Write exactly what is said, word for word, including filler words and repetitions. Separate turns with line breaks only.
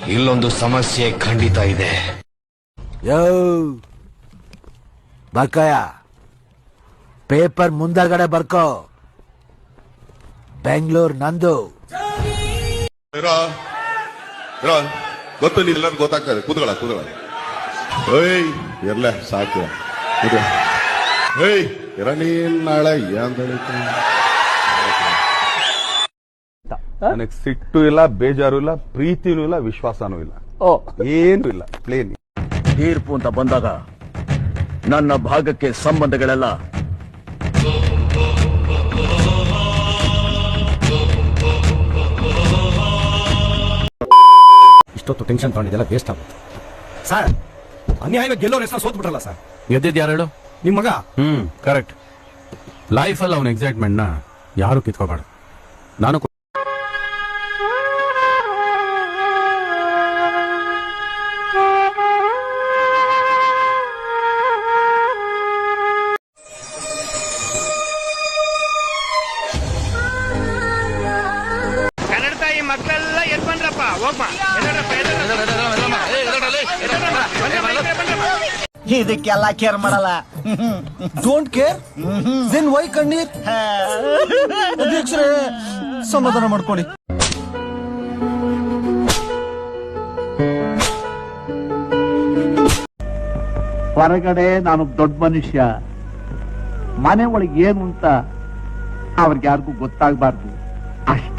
ಇಲ್ಲೊಂದು ಸಮಸ್ಯೆ ಖಂಡಿತ ಇದೆ.
ಯೋ ಬರ್ಕಯ, ಪೇಪರ್ ಮುಂದಗಡೆ ಬರ್ಕೋ. ಬೆಂಗಳೂರು ನಂದು.
ಗೊತ್ತು ನೀವೆಲ್ಲರೂ ಗೊತ್ತಾಗ್ತದೆ. ಕೂತ್ಕೊಳ್ಳ ಕೂತ್ಕೊಳ್ಳ ಏಯ್ ಇರ್ಲ ಸಾಕು. ಏಯ್ ಇರ ನೀನ್ ನಾಳೆ ಏನ್
ನನಗೆ ಸಿಟ್ಟು ಇಲ್ಲ, ಬೇಜಾರು ಇಲ್ಲ, ಪ್ರೀತಿನೂ ಇಲ್ಲ, ವಿಶ್ವಾಸನೂ ಇಲ್ಲ, ಏನು ಇಲ್ಲ, ಪ್ಲೇನ್.
ತೀರ್ಪು ಅಂತ ಬಂದಾಗ ನನ್ನ ಭಾಗಕ್ಕೆ ಸಂಬಂಧಗಳೆಲ್ಲ
ಇಷ್ಟೊತ್ತು ಟೆನ್ಷನ್ ತಗೊಂಡಿದ್ದೆಲ್ಲ ವೇಸ್ಟ್ ಆಗುತ್ತೆ ಸರ್. ಅನ್ಯಾಯವಾಗಿ ಗೆಲ್ಲೋರ್ ಹೆಸರು ಸೋತ್ ಬಿಟ್ರಲ್ಲ ಸರ್.
ಗೆದ್ದಿದ್ ಯಾರು ಹೇಳು?
ನಿಮ್ ಮಗ.
ಹ್ಮ್ ಕರೆಕ್ಟ್. ಲೈಫ್ ಅಲ್ಲಿ ಅವನ ಎಕ್ಸೈಟ್ಮೆಂಟ್ ನ ಯಾರು ಕಿತ್ಕೋಬಾರ್ದು. ನಾನು
ಕನ್ನಡ ತಾಯಿ ಮಕ್ಕಳೆಲ್ಲ ಎದ್ ಬಂದ್ರಪ್ಪ. ಹೋಗ್ಮ
ಇದಕ್ಕೆಲ್ಲ ಕೇರ್ ಮಾಡಲ್ಲ.
ಡೋಂಟ್ ಕೇರ್ ದೆನ್ ವೈ ಕಣ್ಣೀರ್? ಅಧ್ಯಕ್ಷರೇ ಸಮಾಧಾನ ಮಾಡ್ಕೊಳ್ಳಿ.
ಹೊರಗಡೆ ನಾನು ದೊಡ್ಡ ಮನುಷ್ಯ, ಮನೆ ಒಳಗೆ ಏನು ಅಂತ ಅವ್ರಿಗೆ ಯಾರಿಗೂ ಗೊತ್ತಾಗಬಾರ್ದು ಅಷ್ಟೇ.